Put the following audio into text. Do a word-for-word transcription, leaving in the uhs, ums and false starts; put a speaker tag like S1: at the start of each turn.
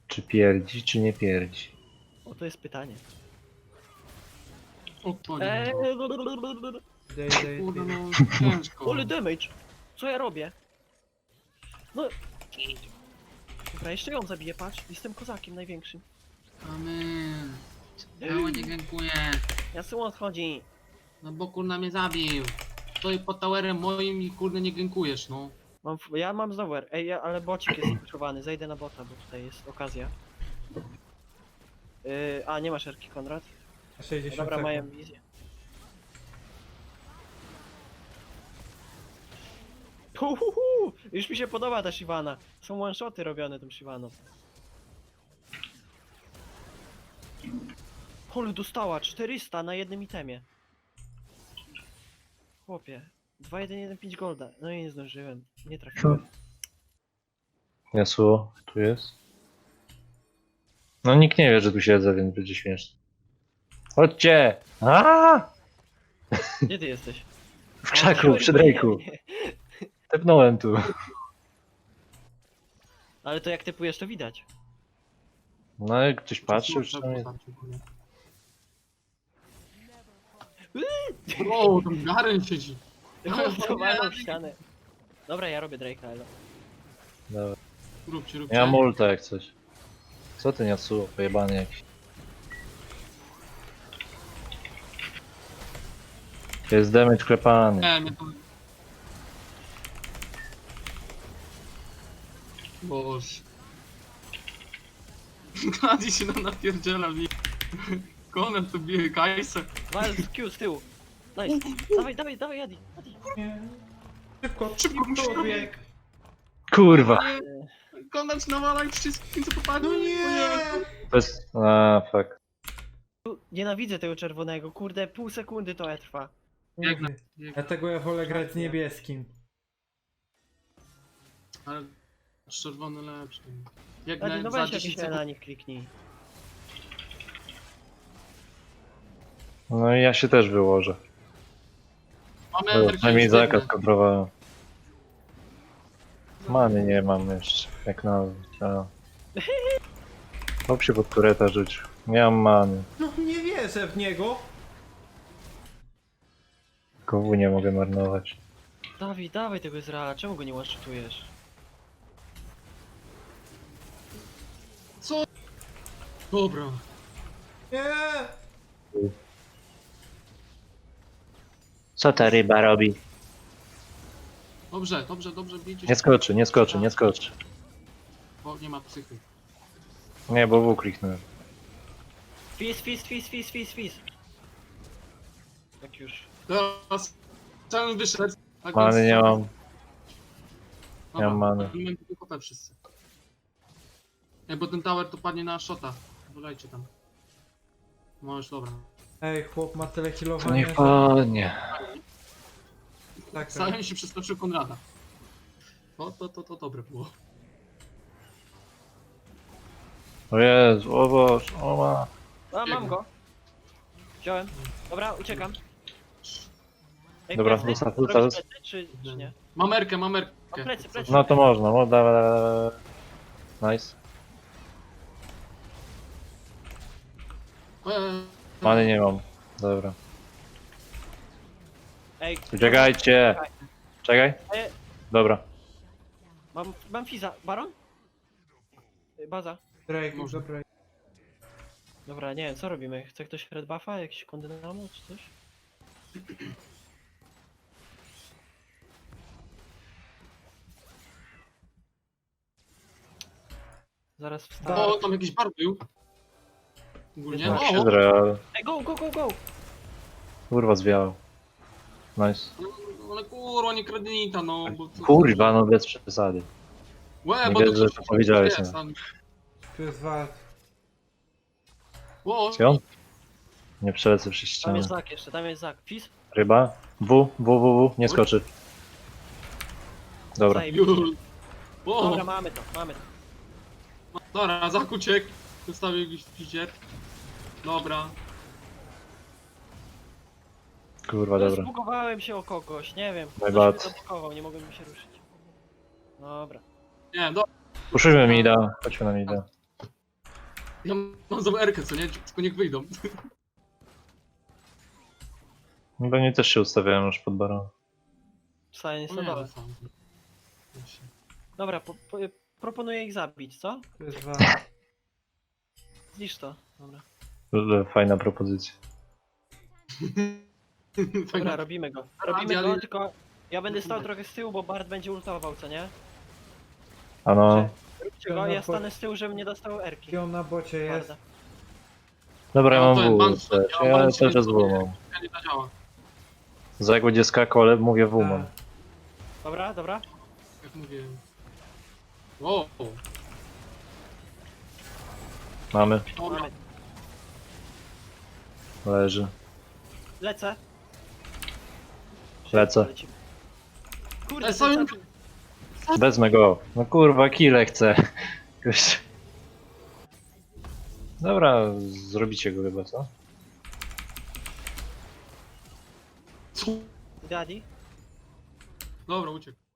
S1: Czy pierdzi, czy nie pierdzi?
S2: O, to jest pytanie.
S3: O, to nie.
S2: Eee,
S4: Dej, dej,
S3: Kurde,
S4: dej.
S3: no ciężko.
S2: ole damage! Co ja robię? No... Dobra, jeszcze ją zabiję, patrz. Jestem kozakiem największym.
S3: Amen. Mało nie gankuje.
S2: Yasuo odchodzi.
S3: No bo kurna mnie zabił. Stoi pod towerem moim i kurde nie gankujesz, no.
S2: Mam, f- ja mam znowu R. Ej, ja, ale bocik jest spuszczowany. Zejdę na bota, bo tutaj jest okazja. Yy, a, nie masz erki, Konrad?
S4: sześćdziesiąt
S2: Dobra, mają
S4: sekund.
S2: wizję. Uhuhu! Już mi się podoba ta Shyvana. Są one-shoty robione tą Shyvaną. Polu dostała czterysta na jednym itemie. Chłopie. dwa jeden jeden pięć golda. No i nie zdążyłem. Nie trafiłem.
S1: Yasuo, tu jest. No nikt nie wie, że tu siedzę, więc będzie śmieszne. Chodźcie! Aaaa!
S2: Gdzie ty jesteś?
S1: W krzaku, przy Drake'u. Tepnąłem tu.
S2: Ale to jak typujesz, to widać.
S1: No jak ktoś patrzył, czy tam jest...
S3: O, tam Garen siedzi.
S2: Chowaną w ścianę. Dobra, ja robię Drake'a, ale...
S1: Dobra.
S3: Róbcie, róbcie.
S1: Ja mam ulta jak coś. Co ty Yasuo, pojebany jakiś. Jest damage klepany.
S3: Nie, mnie to... Boż. Kladzi się na napierdziela mi. Konem to bije Kajsę.
S2: Wal z Q z tyłu. Nice. Dawaj, dawaj, dawaj, Adi. Adi.
S4: Nie. Szybko,
S3: Szybko, musi
S4: szybko
S3: robić.
S4: bieg.
S1: Kurwa!
S3: Konem ci nawala i wszystkim co popadnie.
S4: No nie!
S1: To jest... A, fuck.
S2: Nienawidzę tego czerwonego, kurde, pół sekundy to trwa.
S3: Biegnę. biegnę.
S4: Dlatego ja wolę grać z niebieskim.
S3: Ale czerwony lepszy. Jak
S2: Adi,
S3: na,
S2: no
S3: za
S2: weź
S3: dziesięć
S2: jakieś na
S3: sekund.
S2: nich kliknij.
S1: No i ja się też wyłożę.
S3: Mamy
S1: Bo
S3: Ender
S1: Przynajmniej
S3: Kings,
S1: zakaz
S3: biegnę.
S1: kontrolowałem. Many nie mam jeszcze, jak na... a. Chłop się pod tureta rzucił. Nie mam many.
S4: No nie wierzę w niego.
S1: Kowu nie mogę marnować.
S2: Dawid, dawaj tego Izraela, czemu go nie one-shotujesz?
S3: Co? Dobra.
S4: Nie!
S1: Co ta ryba robi?
S3: Dobrze, dobrze, dobrze, bijcie
S1: Nie
S3: się.
S1: skoczy, nie skoczy, nie skoczy.
S3: O, nie ma psychy.
S1: Nie, bo W kliknąłem.
S2: Fizz, fizz, fizz, fizz, fizz, fizz. Jak już.
S3: Teraz ten wyszedł. Tak
S1: Many
S3: więc-
S1: nie mam.
S3: Dobra,
S1: mam many.
S3: w tym momencie tylko te wszyscy. Ej, bo ten tower to padnie na shota. Wolejcie tam. Możesz, dobra.
S4: Ej, chłop ma tyle
S1: To
S4: healowania,
S1: niech
S4: że...
S1: padnie.
S4: Tak,
S3: Sam się przeskoczył Konrada. To, to, to, to dobre było.
S1: O Jezu, o Boże, o ma.
S2: A, mam go. Wziąłem. Dobra, uciekam. Ej,
S1: Dobra,
S2: plecy?
S1: zostaw,
S2: Zrobisz
S1: zostaw.
S2: plecy, czy, czy nie?
S3: Mam erkę, mam erkę.
S2: Mam plecy, plecy.
S1: No to można, no dawaj, dawaj, dawaj. Nice.
S3: Eee,
S1: Many nie mam. Dobra.
S2: Ej,
S1: Uciekajcie. Czekaj.
S2: Ej,
S1: Dobra.
S2: mam, mam Fiza. Baron? Ej, Baza.
S4: Drake,
S3: Może.
S4: dobra.
S2: Dobra, nie wiem, co robimy? Chce ktoś red buffa? Jakiś kondynamo czy coś? Zaraz wstanę.
S3: o, tam jakiś bar był. Ogólnie.
S2: No,
S3: O,
S1: Jak się
S3: o,
S1: zreal.
S2: Ej, go, go, go, go!
S1: Kurwa zwiał. Nice.
S3: ale kurwa, nie kredita, no. Bo co-
S1: Kurwa, no bez przesady.
S3: Łe,
S1: nie
S3: bo
S1: wierzę,
S3: to
S1: że
S3: coś
S1: to powiedziałeś,
S3: jest
S1: nie.
S3: tam.
S4: Tu jest wart.
S3: O,
S1: Sion? Nie przelecę przez
S2: Tam
S1: ścianę.
S2: jest Zak jeszcze, tam jest Zak. Fizz?
S1: Ryba? W, W, W, W, nie skoczy. Dobra.
S2: Zajebiście.
S3: Jul. O,
S2: Dobra, mamy to, mamy to.
S3: dobra, Zak uciekł. Zostawił jakiś pizier. Dobra.
S1: Kurwa, dobra.
S2: Zbugowałem się o kogoś, nie wiem.
S1: My
S2: Ktoś
S1: bad.
S2: mnie zablokował, nie mogłem się ruszyć. Dobra.
S3: Nie, dobra.
S1: Puszujmy mida. Chodźmy na mida.
S3: Ja mam znowu erkę, co nie? Tylko niech wyjdą.
S1: No bo oni też się ustawiają już pod barą.
S2: Wcale nie
S3: O
S2: są
S3: nie,
S2: dobre.
S3: to są. Właśnie.
S2: Dobra, po, po, proponuję ich zabić, co?
S4: Tu jest dwa.
S2: Zniszcz to. Dobra.
S1: Ale fajna propozycja.
S2: Dobra,
S3: Fajna.
S2: robimy go. Robimy
S3: ale-
S2: go, tylko ja będę stał trochę z tyłu, bo Bart będzie ultował, co nie?
S1: A no,
S2: Róbcie go, ja stanę z tyłu, żebym nie dostał erki.
S4: Pion na bocie jest.
S2: Barda.
S1: dobra, ja
S3: No
S1: mam
S3: to jest
S1: W
S3: ban-
S1: też.
S3: ja
S1: Ja
S3: ban-
S1: cały czas W mam.
S3: Ja nie zadziała.
S1: Za jak będzie skakał, ale mówię W mam.
S4: Tak.
S2: Dobra, dobra.
S3: Jak mówiłem. O,
S1: Mamy,
S3: dobra.
S2: Mamy.
S1: leży.
S2: Lecę.
S1: Lecę.
S2: Lecimy. Kurde,
S3: E,
S2: ten
S3: są-
S2: czat-
S1: Wezmę go. No kurwa, kile chcę. Jakoś- Dobra, zrobicie go chyba, co?
S3: Co?
S2: Daddy?
S3: Dobra, uciekł.